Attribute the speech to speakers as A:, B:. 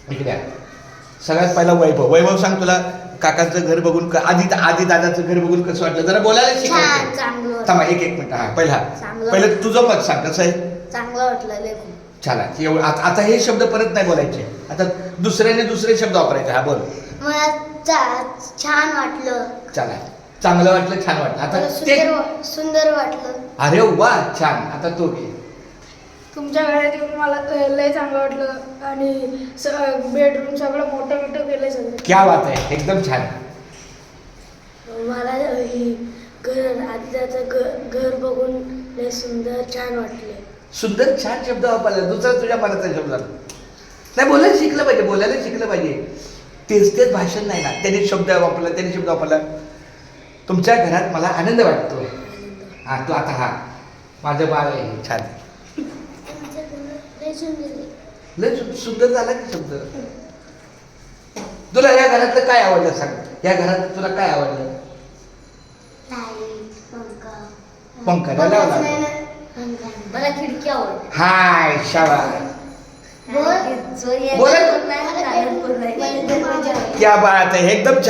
A: इकडे सगळ्यात पहिला वैभव सांग, तुला काकांचं घर बघून आधी दादाचं घर बघून कसं वाटलं? जरा बोलायला शिकायचं. थांबा एक मिनिट. हा पहिलं तुझं मत सांग, कसं आहे?
B: चांगलं वाटलं.
A: चला एवढं. आता हे शब्द परत नाही बोलायचे, आता दुसरे शब्द वापरायचे. हा बोल.
B: मला छान वाटलं.
A: चला, चांगलं वाटलं, छान वाटलं. आता ते
B: सुंदर वाटलं.
A: अरे वा, छान. आता तो घे.
C: तुमच्या घरात येऊन मला लय चांगलं वाटलं आणि बेडरूम सगळं मोठं केलं सगळं.
A: क्या बात आहे, एकदम छान.
B: मला ही आजीचं घर बघून लय सुंदर छान वाटले.
A: सुंदर छान शब्द वापरला. दुसरा तुझ्या मनाचा शब्द नाही. बोलायला शिकलं पाहिजे. तेच भाषण नाही ना. त्याने शब्द वापरला. तुमच्या घरात मला आनंद वाटतो. हा तू आता हा माझं बाळ आहे, छान. लय सुंदर झाला की शब्द. तुला या घरातलं काय आवडलं सांग? या घरात तुला काय आवडलं? पंखा नाही लावला.
B: मला खिडकी आवडते.
A: हाय शाबास. क्या बात आहे, एकदम छान.